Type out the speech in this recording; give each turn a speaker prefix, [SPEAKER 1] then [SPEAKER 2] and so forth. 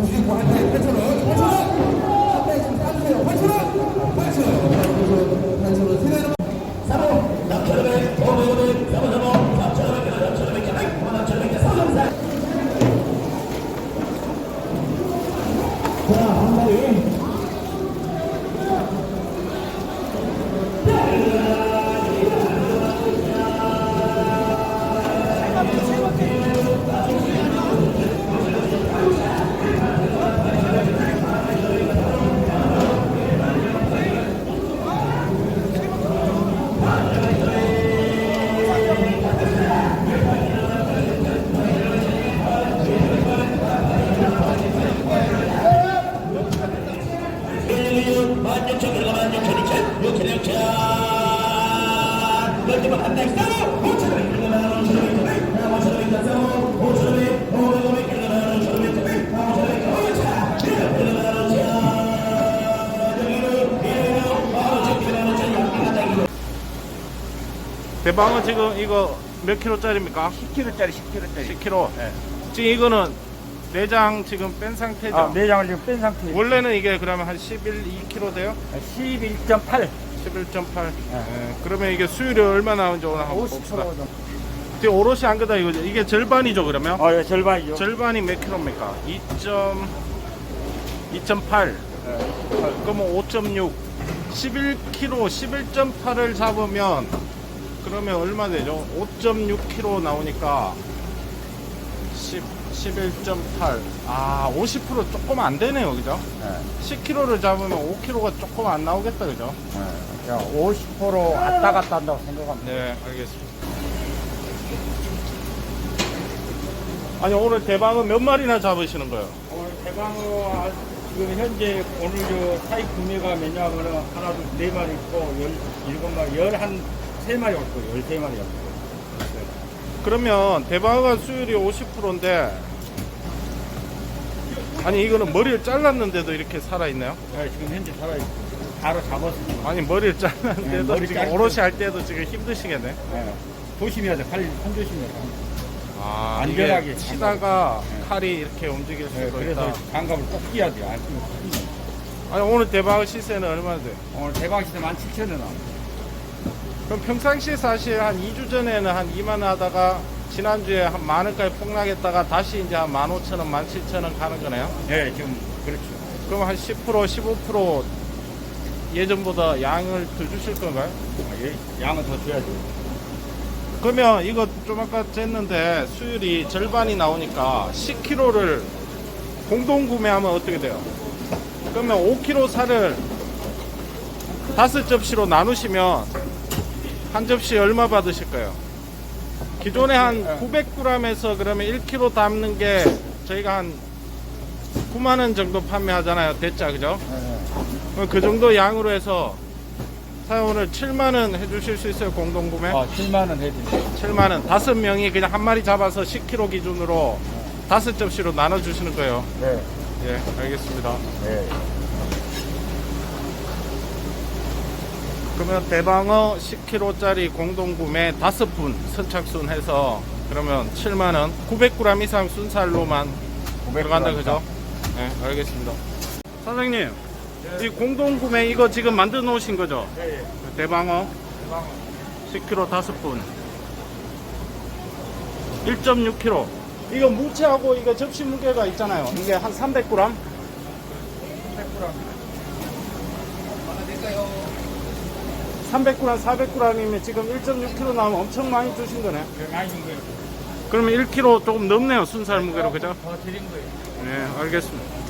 [SPEAKER 1] 주시고 한 달에 8,000원, 8,000원, 한 달에 좀 따주세요. 8,000원, 8,000원, 8,000원, 세배는 3호, 남천원에 500원에 3호, 3,000원에 3,000원에 3,000원에 3,000원에 자, 한 마리.
[SPEAKER 2] 대방어 지금 이거 몇 킬로짜리입니까?
[SPEAKER 3] 10kg짜리 10kg짜리
[SPEAKER 2] 10kg.
[SPEAKER 3] 네.
[SPEAKER 2] 지금 이거는 내장 지금 뺀 상태죠?
[SPEAKER 3] 아, 내장을 지금 뺀 상태예요.
[SPEAKER 2] 원래는 이게 그러면 한 2kg 돼요?
[SPEAKER 3] 11.8
[SPEAKER 2] 11.8. 그러면 이게 수율이 얼마 나오는지 오늘 한번
[SPEAKER 3] 50%
[SPEAKER 2] 봅시다.
[SPEAKER 3] 정도.
[SPEAKER 2] 지금 오롯이 안 그다 이거죠? 이게 절반이죠 그러면?
[SPEAKER 3] 예, 절반이죠.
[SPEAKER 2] 절반이 몇 킬로입니까? 2.8. 그러면 5.6. 11kg, 11.8을 잡으면 그러면 얼마 되죠? 5.6kg 나오니까 11.8. 아, 50% 조금 안 되네요, 그죠?
[SPEAKER 3] 네.
[SPEAKER 2] 10kg를 잡으면 5kg가 조금 안 나오겠다, 그죠?
[SPEAKER 3] 네. 50% 왔다 갔다 한다고 생각합니다.
[SPEAKER 2] 네, 알겠습니다. 아니, 오늘 대방어 몇 마리나 잡으시는 거예요?
[SPEAKER 3] 오늘 대방어 지금 현재 오늘 저 사입 구매가 몇냐면은 하나, 둘, 네 마리 있고 17마리, 13마리 올 거예요. 13마리 올 거예요.
[SPEAKER 2] 그러면 대방어가 수율이 50%인데 아니 이거는 머리를 잘랐는데도 이렇게 살아있나요?
[SPEAKER 3] 네, 지금 현재 살아있고 바로 잡았습니다.
[SPEAKER 2] 아니 머리를 잘랐는데도
[SPEAKER 3] 네, 머리
[SPEAKER 2] 지금
[SPEAKER 3] 자를
[SPEAKER 2] 오롯이 할 때도 지금 힘드시겠네.
[SPEAKER 3] 네. 조심해야 돼. 손 조심해야 돼.
[SPEAKER 2] 아,
[SPEAKER 3] 안전하게
[SPEAKER 2] 이게 치다가
[SPEAKER 3] 네.
[SPEAKER 2] 칼이 이렇게 움직일 수도
[SPEAKER 3] 네,
[SPEAKER 2] 있다.
[SPEAKER 3] 그래서 장갑을 꼭 끼야 돼요. 안 끼면 큰일 나요.
[SPEAKER 2] 아니 오늘 대방어 시세는 얼마나 돼요?
[SPEAKER 3] 오늘 대방 시세 17,000원.
[SPEAKER 2] 그럼 평상시에 사실 한 2주 전에는 한 2만 원 하다가 지난주에 한 10,000원까지 폭락했다가 다시 이제 한 15,000원, 17,000원 가는 거네요?
[SPEAKER 3] 네, 지금 그렇죠.
[SPEAKER 2] 그럼 한 10%, 15% 예전보다 양을 더 주실 건가요?
[SPEAKER 3] 양은 더 줘야죠.
[SPEAKER 2] 그러면 이거 좀 아까 쟀는데 수율이 절반이 나오니까 10kg를 공동 구매하면 어떻게 돼요? 그러면 5kg 살을 5접시로 나누시면 한 접시 얼마 받으실까요? 기존에 한 900g에서 그러면 1kg 담는 게 저희가 한 9만원 정도 판매하잖아요. 대짜, 그죠?
[SPEAKER 3] 네.
[SPEAKER 2] 그 정도 양으로 해서 사장님 오늘 7만원 해주실 수 있어요? 공동구매?
[SPEAKER 3] 7만원 해드릴게요.
[SPEAKER 2] 7만원. 5명이 그냥 한 마리 잡아서 10kg 기준으로 5접시로 나눠주시는 거예요.
[SPEAKER 3] 네.
[SPEAKER 2] 예, 알겠습니다.
[SPEAKER 3] 네.
[SPEAKER 2] 그러면 대방어 10kg짜리 공동구매 5분 선착순 해서 그러면 7만원 900g 이상 순살로만
[SPEAKER 3] 900g
[SPEAKER 2] 들어간다 그죠? 네, 알겠습니다. 사장님, 이 공동구매 이거 지금 만들어 놓으신 거죠?
[SPEAKER 3] 네.
[SPEAKER 2] 대방어 10kg 5분 1.6kg. 이거 무채하고 이거 접시 무게가 있잖아요. 이게 한 300g?
[SPEAKER 3] 100g.
[SPEAKER 2] 300g, 400g이면 지금 1.6kg 나오면 엄청 많이 주신 거네.
[SPEAKER 3] 많이 준 거예요.
[SPEAKER 2] 그러면 1kg 조금 넘네요. 순살 무게로, 그죠?
[SPEAKER 3] 더 드린 거예요.
[SPEAKER 2] 네, 알겠습니다.